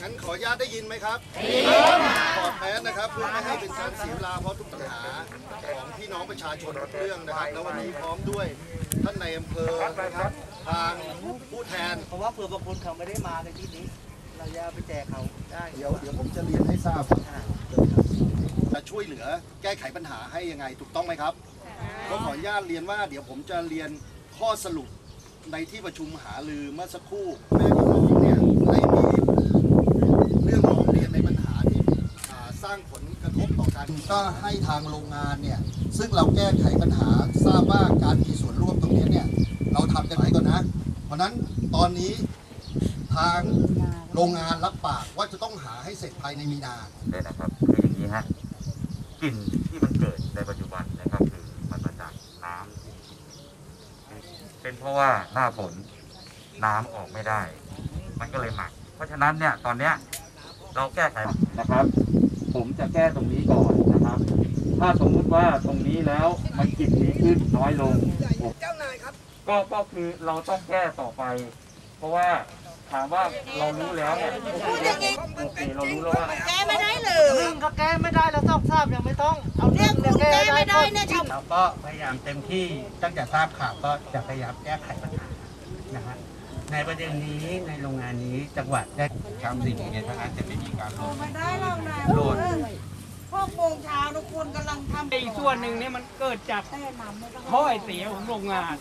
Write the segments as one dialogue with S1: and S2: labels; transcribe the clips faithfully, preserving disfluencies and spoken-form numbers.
S1: งั้นขออนุญาตได้ยินไหมครับขอแม้นะครับเพื่อไม่ให้เป็นการเสียเวลาเพราะทุกปัญหาของพี่น้องประชาชนทุกเรื่องนะครับแล้ววันนี้พร้อมด้วยท่านในอำเภอนะครับทางผู้แทน
S2: เพราะว่าเผื่อบางคนเขาไม่ได้มาในที่นี้เราจะไปแจกเขาได้
S1: เดี๋ยวเดี๋ยวผมจะเรียนให้ทราบจะช่วยเหลือแก้ไขปัญหาให้ยังไงถูกต้องไหมครับก็ขออนุญาตเรียนว่าเดี๋ยวผมจะเรียนข้อสรุปในที่ประชุมหารือเมื่อสักครู่แม่พี่น้องเนี่ยได้มีเรื่องร้องเรียนในปัญหาที่สร้างผลกระทบต่อการก็ให้ทางโรงงานเนี่ยซึ่งเราแก้ไขปัญหาทราบว่าการมีส่วนร่วมตรงนี้เนี่ยเราทำกันไหนก่อนนะเพราะนั้นตอนนี้ทางโรงงานรับปากว่าจะต้องหาให้เสร็จภายในมีนา
S3: เลยนะครับคืออย่างนี้ฮะกลิ่นที่มันเกิดในปัจจุบันนะครับคือมันมาจากน้ำเป็นเพราะว่าหน้าฝนน้ำออกไม่ได้มันก็เลยหมักเพราะฉะนั้นเนี่ยตอนเนี้ยเราแก้ไขนะครับ ผมจะแก้ตรงนี้ก่อนนะครับถ้าสมมุติว่าตรงนี้แล้วมันกลิ่นดีขึ้นน้อยลงเจ้านายครับก็ก็คือเราต้องแก้ต่อไป เพราะว่าถามว่าเรารู้แล้วเนี่ยโอเคเรารู้แล้วว่า
S4: แก้ไม่ได้เลย
S2: หนึ่งก็แก้ไม่ได้แล้วต้องทราบยังไม่ต้องเอาเรื่องคุณแก้ไม่ได้เนี่ยเราก็พยายามเต็มที่ตั้งแต่ทราบข่าวก็จะพยายามแก้ไขปัญหานะฮะในประเด็นนี้ในโรงงานนี้จังหวัดได้ทำสิ่งนี้ถ้าอาจจะไม่มีการโหลด
S4: ไม่ได้หรอกนะ
S2: โหลด
S4: พวกโมงเช้าทุกคนกำลังทำ
S5: อีกส่วนหนึ่งเนี่ยมันเกิดจากท่อไอเสียของโรงงาน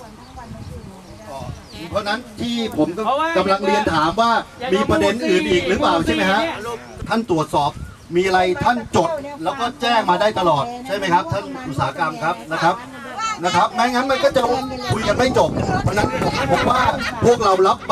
S1: เพราะนั้นที่ผมก็
S5: เพราะว่าก
S1: ำลังเรียนถามว่ามีประเด็นอื่นอีกหรือเปล่าใช่ไหมฮะท่านตรวจสอบมีอะไรท่านจดแล้วก็แจ้งมาได้ตลอดใช่ไหมครับท่านอุตสาหกรรมครับนะครับนะครับไม่งั้นมันก็จะคุยกันไม่จบเพราะนั้นผมว่าพวกเรารับ